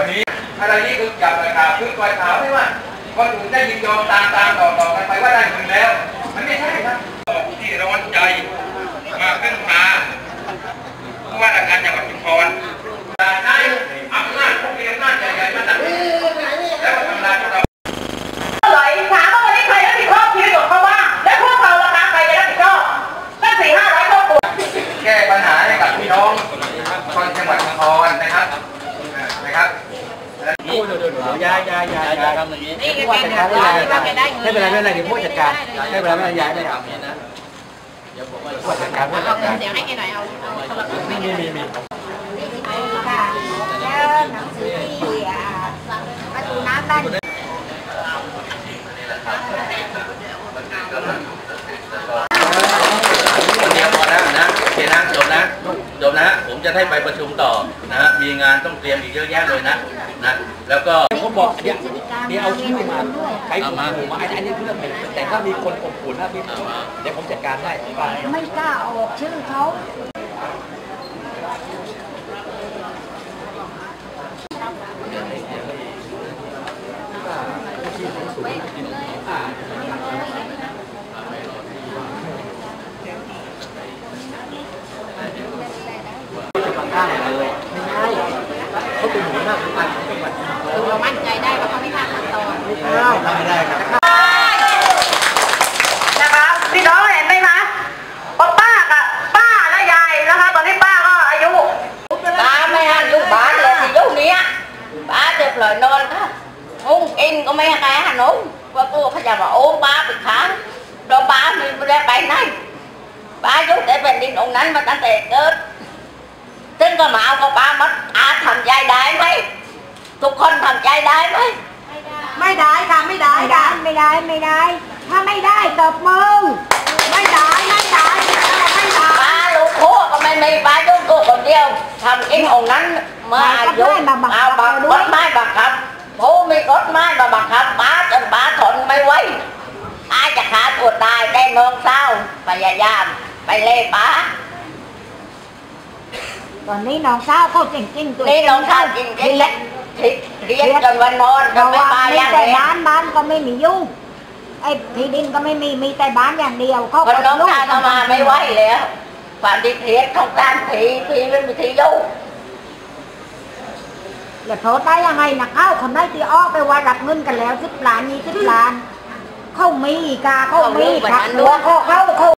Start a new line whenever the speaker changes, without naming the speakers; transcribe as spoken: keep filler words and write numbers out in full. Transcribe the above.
วันนี้อะไรนี่คือจับปล่อยข่าวคือปล่อยข่าวไม่ว่าคนอื่นได้ยินยอมตามตามต่อต่อกันไปว่าได้เงินแล้วมันไม่ใช่ครับที่ร้อนใจมาขึ้นมาผู้ว่าราชการจังหวัดชุมพรใช้อำนาจพวกมีอำนาจใหญ่ๆมาตัดแล้วก็ทำลายพวกเรา
ไหลถามว่าวันนี้ใครรับผิดชอบชีวิตของเขาบ้างและพวกเราราคาใครจะรับผิดชอบตั้งสี่ห้าร้อยครอบครัว
แก้ปัญหาให้กับพี่น้องคนจังหวัดชุมพรนะครับนะครับ
นี่เดี๋ยวเดี๋ยวยายยายยายยายทำอย่างนี้นี่ผู้จัดการได้ไม่เป็นไรไม่เป็นไรเดี๋ยวผู้จัดการไม่เป็นไรไม่เป็นไรยายได้ทำนะเดี๋ยวผมผู้จัดการผู้จัดการ
เดี๋ยวให้แกหน่อยเอา
มีมีมีมี
ค่ะแล้วหนังสือที่ประตูน้ำบ้าน
นะโอเคนะจบนะจบนะผมจะให้ไปประชุมต่อนะมีงานต้องเตรียมอีกเยอะแยะเลยนะนะแล้วก็
ผมบอกเดี๋ยวเดี๋ยวเอาชื่อมาใครผมผมมาอันนี้เรื่องแต่ถ้ามีคนอบอุ่นนะพี่เดี๋ยวผมจัดการได้
ไม่กล้าออกชื่อเขา
ได้เลยไม่ใช่เขาเป็นหัวหน้าผู้การจังหวัด
คือเรามั่นใจได้ว่าเขาไม่ฆ่าขั้นตอน
ไม่ได้ทำไม่ได้ครับ
นะคะพี่น้องเห็นไหมคะป้ากับป้าและยายนะคะตอนนี้ป้าก็อายุ
ป้าไม่ให้ลูกบ้านเลยที่ยุคนี้ป้าจะปล่อยนอนค่ะงุ้งกินก็ไม่ให้ใครหันนุ่งว่ากูเขาจะมาโอ้ป้าเป็นค้างเราป้ามีไม่ได้ไปไหนป้ายุคแต่เป็นดินองค์นั้นมาตั้งแต่เกิดซึ่งก็มาเอากับป้ามัดอาทำใจได้ไหมทุกคนทำใจได้ไหม
ไม่ได้ค่ะไม่ได้ค่ะไม่ได้ไม่ได้ถ้าไม่ได้ตบมือไม่ได้ไม่ได้ไม่ได้
ป้าลูกคู่ก็ไม่มีป้ายุคกูคนเดียวทำกินองค์นั้นเมื่ออายุเอาบังรถไม้บังคับผู้มีรถไม้มาบังคับป้าจนป้าทนไม่ไหวอาจะฆ่าตัวตายได้เมืองเศร้าพยายามไปเล่ป้า
ตอนนี้น้องสาวเขาจริงจริงตัว
นี่น้องสาวจริงจริงเล็กเรียนจนวันนอนก็ไม่มาอย่าง
แต่บ้านบ้านก็ไม่มียุ่งไอ้ที่ดินก็ไม่มีมีแต่บ้านอย่างเดียวเขา
คนน้องสาวเข้ามาไม่ไหวแล้วความดิเทียนของการผีผีไม่มีที่ยุ่ง
แล้วโทษได้ยังไงนักเข้าคนได้ที่อ้อไปว่ารับเงินกันแล้วสิบล้านยี่สิบล้านเขามีกาเขามีขับตัวเขาเขา